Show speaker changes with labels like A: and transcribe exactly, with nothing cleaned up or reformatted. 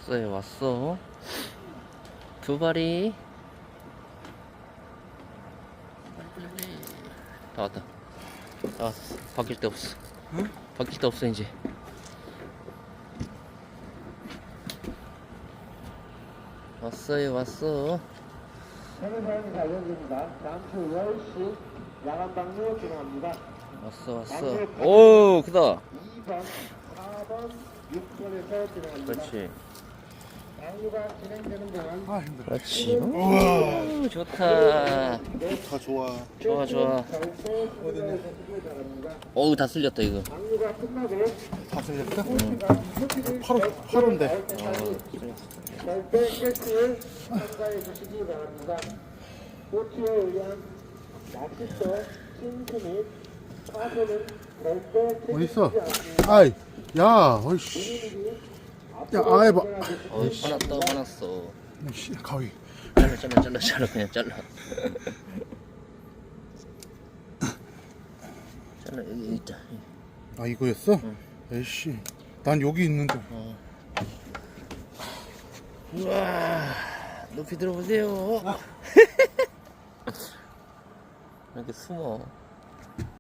A: 왔어요, 왔어. 두 발이. 다 왔다. 다 왔어. 바뀔 데 없어.
B: 응?
A: 바뀔 데 없어, 이제. 왔어요, 왔어.
C: 해외사용 가격입니다. 잠시 열 시 야간 방류 진행합니다.
A: 왔어, 왔어. 오, 크다.
C: 이 번, 사 번, 육 번에서 진행합니다.
A: 그렇지.
C: 방류가 진행되는 동안
B: 아 힘들어.
A: 그렇지. 오, 좋다.
B: 다 좋아.
A: 좋아, 좋아.
C: 절대 수리하시길 바랍니다.
A: 어우, 다 쓸렸다, 이거.
C: 방류가 끝나고
B: 다 쓸렸어?
C: 응.
B: 팔 팔인데.
C: 절대 깨끗을 참가해 주시기 바랍니다. 꼬치에 의한 낚싯대, 싱크 및 파손은 절대
B: 어디 있어?
C: 책임지지 않습니다.
B: 아이, 야, 어이씨, 야, 아이 봐.
A: 어우, 화났다, 화났어.
B: 씨, 가위.
A: 잘라, 잘라, 잘라, 잘라, 그냥 잘라. 잘라, 여기 있다.
B: 아 이거였어?
A: 응.
B: 에이씨, 난 여기 있는데.
A: 어. 우와, 높이 들어보세요. 이렇게 숨어.